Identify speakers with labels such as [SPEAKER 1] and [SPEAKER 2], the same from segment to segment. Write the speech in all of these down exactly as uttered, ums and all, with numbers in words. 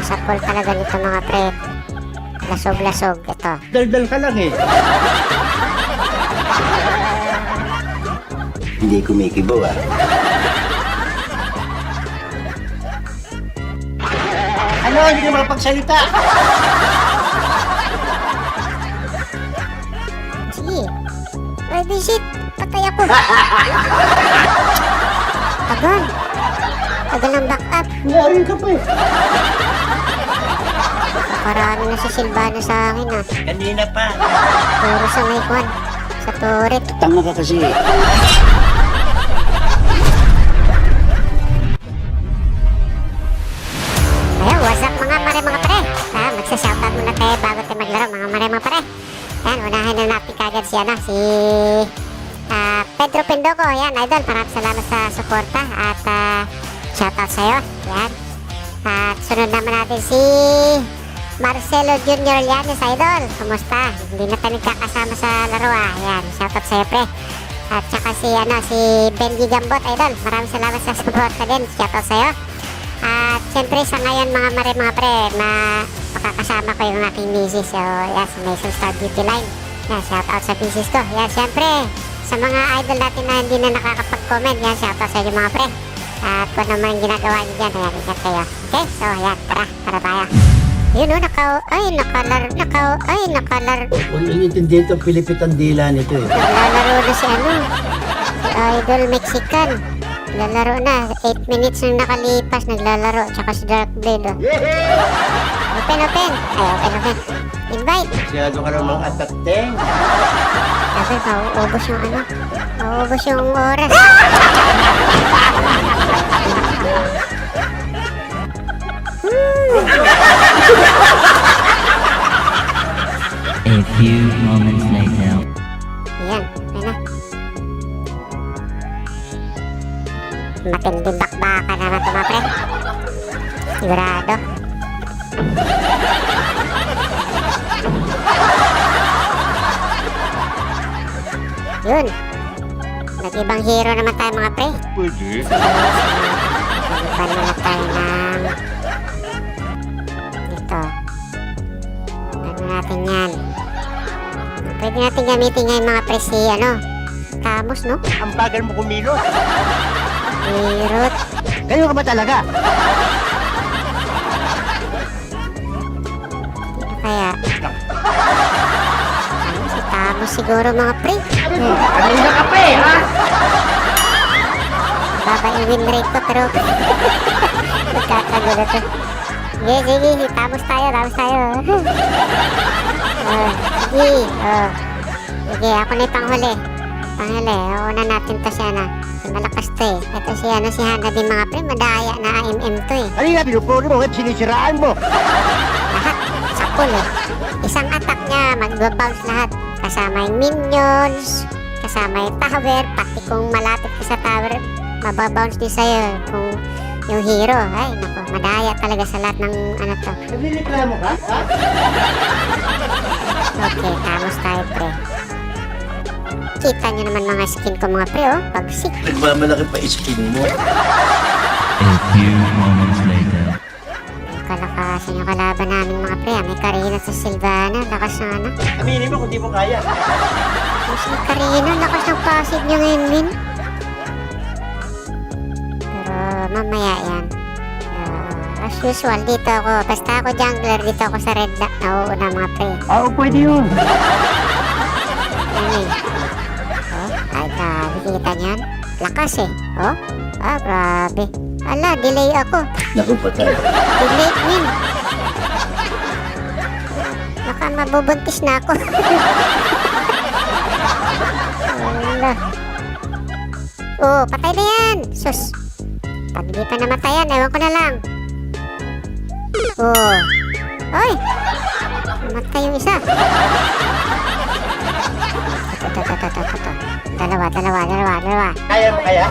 [SPEAKER 1] Sa pool talaga nito mga pre. Lasog-lasog. Ito.
[SPEAKER 2] Daldal ka lang eh.
[SPEAKER 3] Hindi kumikibo ah.
[SPEAKER 2] Ano? Hindi ka makapagsalita.
[SPEAKER 1] Sige. Ready shit. Patay ako. Tagal. Tagal ng back up.
[SPEAKER 2] Ngayon ka pa eh.
[SPEAKER 1] Parami na si Silvano sa akin ah.
[SPEAKER 2] Kanina pa.
[SPEAKER 1] Puro sa may kwan. Sa turret.
[SPEAKER 3] Tanga ka kasi.
[SPEAKER 1] Ayun, what's up mga mare mga pare? Ah, magsa-shoutout muna tayo bago tayo maglaro mga mare mga pare. Yan, unahin na natin kagad si ano, si ah, Pedro Pendoco. Yan, idol, maraming salamat sa suporta at ah, shoutout sa'yo. Yan. At sunod naman natin si Marcelo Junior Llanes, idol. Kumusta? Hindi na tayo nagkakasama sa laro ah. Yan, shoutout sa'yo pre. At saka si ano, si Benji Gambot, idol. Maraming salamat sa suporta din. Shoutout sa'yo. At syempre sa ngayon mga mare mga pre na makakasama ko yung aking misis. So yan, sa Mason Star Beauty Line. Yan, shoutout sa misis ko. Yan, syempre sa mga idol natin na hindi na nakakapag-comment. Yan, shoutout sa inyo mga pre. At kung ano man ginagawa nyo dyan, ayan, ingat kayo. Okay, so yan, tara, tara tayo. Yun o, nakaw, ay, nakalar, nakaw, ay, nakalar.
[SPEAKER 3] Kung inintindihan itong Pilipit ang dila nito eh.
[SPEAKER 1] Naglalaro na si ano, si Idol Mexican. Naglalaro na, eight minutes nang nakalipas, naglalaro, tsaka si Dark Blade oh. Open, open, ay, open, open. Invite.
[SPEAKER 2] Masyado ka namang atateng.
[SPEAKER 1] Sabi, mauubos yung ano, mauubos yung oras.
[SPEAKER 4] A few moments later.
[SPEAKER 1] Yan, ayun na. Matinding bakbakan naman ito mga pre. Sigurado. Yun. Nag-ibang hero naman tayo mga pre.
[SPEAKER 2] Pwede.
[SPEAKER 1] Iban na tayo ng ito. Ano natin yan? Pwede natin gamitin ngayon mga pre si ano, Camus no?
[SPEAKER 2] Ang bagal mo kumilos.
[SPEAKER 1] Hirot.
[SPEAKER 2] Kayo ka ba talaga?
[SPEAKER 1] Ano kaya? Ano si Camus siguro mga pre?
[SPEAKER 2] Kanina ka pa eh, ha?
[SPEAKER 1] Baba yung win rate ko pero nagkakagulo to. Sige, sige, si Camus tayo, Camus tayo. Oh, sige, oh. Sige, ako na yung panghuli. Panghuli, una natin to siya na. Si malakas to eh. Ito si ano, si Hana din mga pre, madaya na A M M to eh.
[SPEAKER 2] Kanina, pinupuri mo, at sinisiraan mo.
[SPEAKER 1] Lahat, sa pool eh. Isang attack niya, mag-bounce lahat. Kasama yung minions, kasama yung tower, pati kung malapit ka sa tower, mababounce din sa'yo kung yung hero. Ay, naku, madaya talaga sa lahat ng ano to.
[SPEAKER 2] Naglireklamo ka, ha?
[SPEAKER 1] Okay, tamos tayo pre. Kita nyo naman mga skin ko mga pre oh, pagsik.
[SPEAKER 3] Nagmamalaki pa iskin mo.
[SPEAKER 4] A few moments later.
[SPEAKER 1] Kalakasan yung kalaban namin mga pre ah. May Karina sa Silvana, lakas na ano.
[SPEAKER 2] Aminin mo kung di mo kaya.
[SPEAKER 1] Mas may Karina, lakas ng passive niya ngayon min. Pero mamaya yan. Uh, as usual, dito ako. Basta ako jungler, dito ako sa red na nauuna mga pre.
[SPEAKER 2] Oo, pwede yun.
[SPEAKER 1] Ano eh. Oh, ay grabe, kita niyan. Lakas eh. Oh, ah grabe. Ala, delay ako.
[SPEAKER 3] Naku patay.
[SPEAKER 1] Delay min. Baka mabubuntis na ako. Ala. Oh, patay na yan. Sus. Pag di pa namatayan, ewan ko na lang. Oh. Oy. Namatay yung isa. Ito, ito, ito, ito, ito, ito. Dalawa, dalawa, dalawa, dalawa.
[SPEAKER 2] Kaya mo kaya?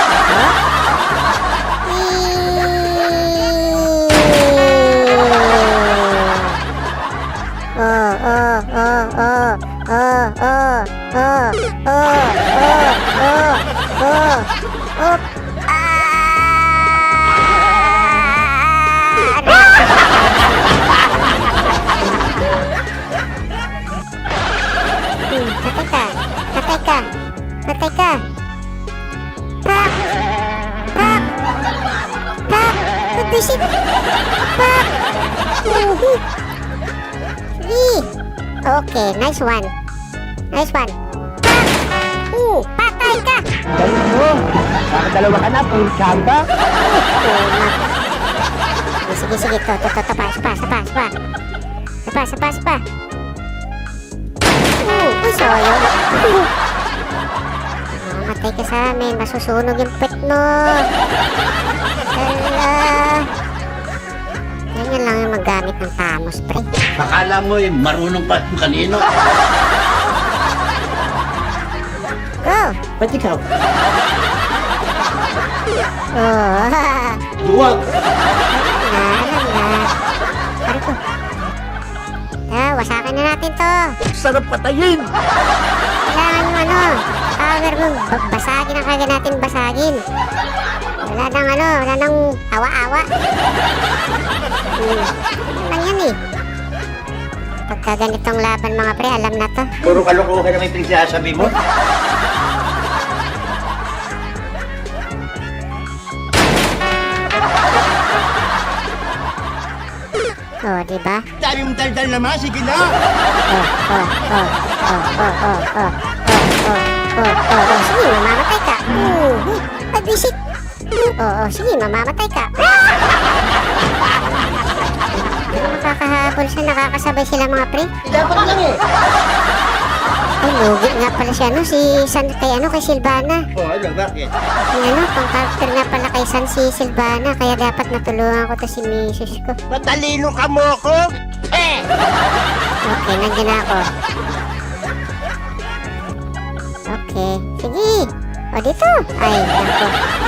[SPEAKER 1] Oh, oh, oh, oh, oh, oh, oh, oh, oh, oh, oh, oh. Ah! bisit. Pak. Uhu. Sige. Okay, nice one. Nice one. Pak. Uh, patay ka.
[SPEAKER 2] Galing mo. Nakadalawa ka na, full chamba.
[SPEAKER 1] Tuma. Sige, sige, to, to, to, to, pa, sapa, sapa, sapa. Sapa, sapa, sapa. Uh, uy, soyo. Uh. Matay ka sa amin, masusunog yung pet mo. Hala. Ganyan lang yung maggamit ng tamos, pre.
[SPEAKER 3] Akala mo eh, marunong pa kung kanino.
[SPEAKER 1] Go!
[SPEAKER 2] Ba't ikaw?
[SPEAKER 1] Oh,
[SPEAKER 3] Duwag!
[SPEAKER 1] na, alam na. Pare ko. Ah, wasakin na natin to.
[SPEAKER 3] Sarap patayin!
[SPEAKER 1] Kailangan yung ano, power mo. Ba- Basagin ang kagad natin basagin. Wala nang ano, wala nang awa-awa. Hmm. Ano lang yan eh. Pagka ganitong laban mga pre, alam na to.
[SPEAKER 3] Puro kalokohan na may pinagsasabi mo.
[SPEAKER 1] Oh, di ba?
[SPEAKER 3] Dami mong daldal naman, sige na!
[SPEAKER 1] Oh, oh, oh, oh, oh, oh, oh, oh, oh, oh, oh, oh, sige, mamamatay ka. Uh, ay, bisit. Oo, oh, oh, sige, mamamatay ka. Pero nakakahabol siya, nakakasabay sila mga pre.
[SPEAKER 2] Dapat lang eh.
[SPEAKER 1] Ay, lugi nga pala siya, no? Si San, kay ano, kay Silvana.
[SPEAKER 3] Oh, ano, bakit?
[SPEAKER 1] Yung ano, pang character nga pala kay San si Silvana, kaya dapat natulungan ko to si misis ko.
[SPEAKER 3] Matalino ka mo ako? Eh!
[SPEAKER 1] Okay, nandiyan na ako. Okay, sige. O, dito. Ay, nako.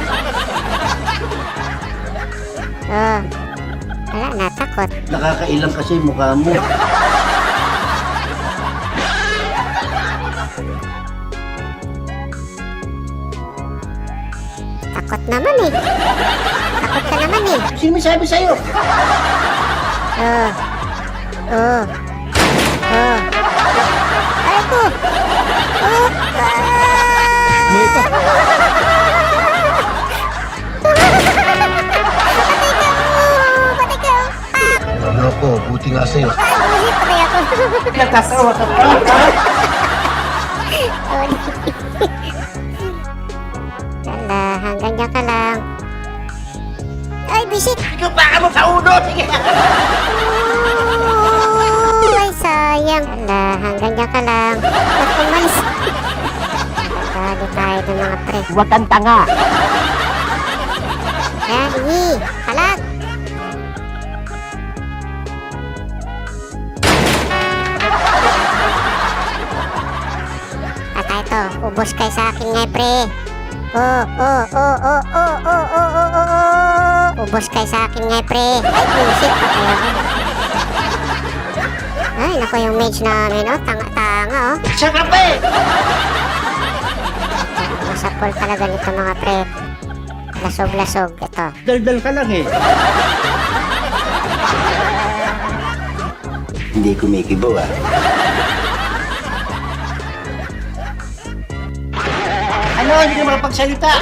[SPEAKER 1] Oh, wala, natakot.
[SPEAKER 3] Nakakailang kasi yung mukha mo.
[SPEAKER 1] Takot naman eh. Takot ka naman eh.
[SPEAKER 3] Sino may sabi sa'yo?
[SPEAKER 1] Oh. Oh. Oh. Ay ko. Oh.
[SPEAKER 2] May pa.
[SPEAKER 1] Patay ka. Oh, patay ka. Ah.
[SPEAKER 3] Ano ko, buti nga sa'yo.
[SPEAKER 1] Ay, patay ako.
[SPEAKER 2] Nagkasawa ka pa.
[SPEAKER 1] Wala, hanggang dyan ka lang. Ay, bisit.
[SPEAKER 3] Ikaw baka mo sa uno, sige!
[SPEAKER 1] Oh, ay, sayang. Wala, hanggang dyan ka lang. Ba't umalis? Dali tayo ng mga pre.
[SPEAKER 2] Huwag kang tanga.
[SPEAKER 1] Kaya, sige, kalag. Patay to, ubos kayo sa akin nga, pre. Oh, oh, oh, oh, oh, oh, oh, oh, oh, oh. Ubos kayo sa akin nga, pre. Ay, bullshit, patay ako. Ay, naku yung mage namin, oh. Tanga-tanga, oh.
[SPEAKER 3] Sarap eh!
[SPEAKER 1] Masapol talaga nito, mga pre. Lasog-lasog, ito.
[SPEAKER 3] Daldal ka lang eh. Hindi kumikibo ah. Ano? Hindi ka makapagsalita?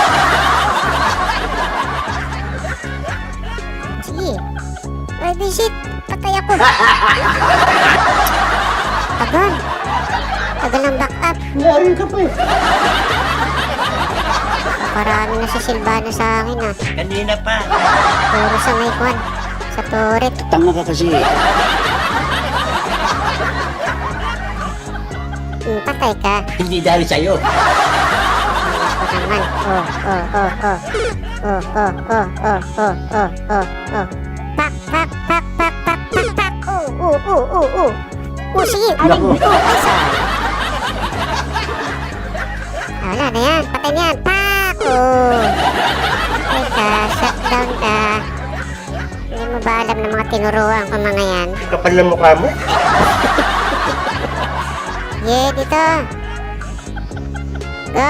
[SPEAKER 1] Sige. Ay, bisit. Patay ako. Tagal. Tagal ng back up.
[SPEAKER 3] Ngayon ka pa eh.
[SPEAKER 1] Parami na si Silvana sa akin, ah.
[SPEAKER 3] Kanina pa.
[SPEAKER 1] Puro sa may kwan. Sa turret.
[SPEAKER 3] Tanga ka kasi.
[SPEAKER 1] Hmm, patay ka.
[SPEAKER 3] Hindi dahil sa'yo.
[SPEAKER 1] Ako naman. Oh, oh, oh, oh. Oh, oh, oh, oh, oh, oh, oh, oh. Pak, pak, pak, pak, pak, pak, pak. Oh, oh, oh, oh, oh. Oh, sige. Aling.
[SPEAKER 3] Naku.
[SPEAKER 1] Oh, ay, sorry. Ah, wala na yan. Patay na yan. Pak! Oh. Patay ka. Shutdown ka. Hindi mo ba alam ng mga tinuruan ko mga yan?
[SPEAKER 3] Kapal na mukha mo.
[SPEAKER 1] Yeah, dito. Go.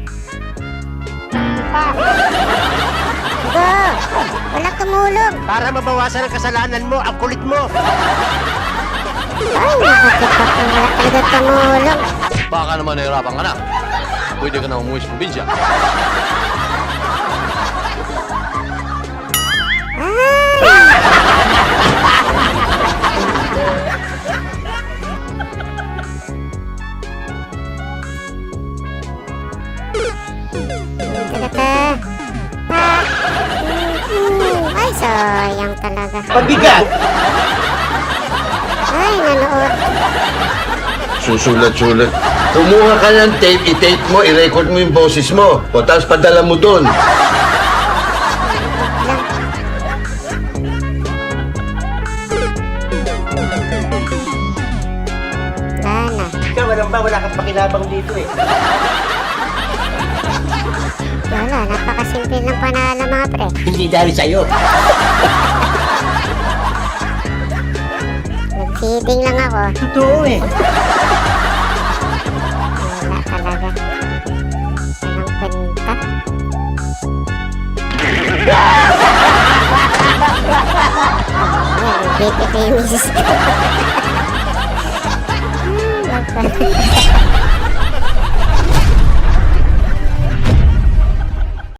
[SPEAKER 1] Go. Walang tumulong.
[SPEAKER 3] Para mabawasan ang kasalanan mo, ang kulit mo.
[SPEAKER 1] Ay, nakatipak na wala talaga tumulong.
[SPEAKER 5] Baka naman nahirapan ka na. Pwede ka na umuwi sa probinsya.
[SPEAKER 1] Ay, sayang talaga.
[SPEAKER 3] Pabigat!
[SPEAKER 1] Ay, nanood.
[SPEAKER 6] Susulat-sulat. Kumuha ka ng tape, i-tape mo, i-record mo yung boses mo. O tapos padala mo doon.
[SPEAKER 1] Wala na.
[SPEAKER 3] Ikaw, walang ba? Wala kang pakinabang dito eh.
[SPEAKER 1] Wala, napakasimple ng panalo mga pre.
[SPEAKER 3] Hindi dahil sa'yo.
[SPEAKER 1] Nag-feeding lang ako.
[SPEAKER 3] Totoo eh.
[SPEAKER 1] Wala talaga. Anong kwenta? Ayan, bit ito yung misis ko.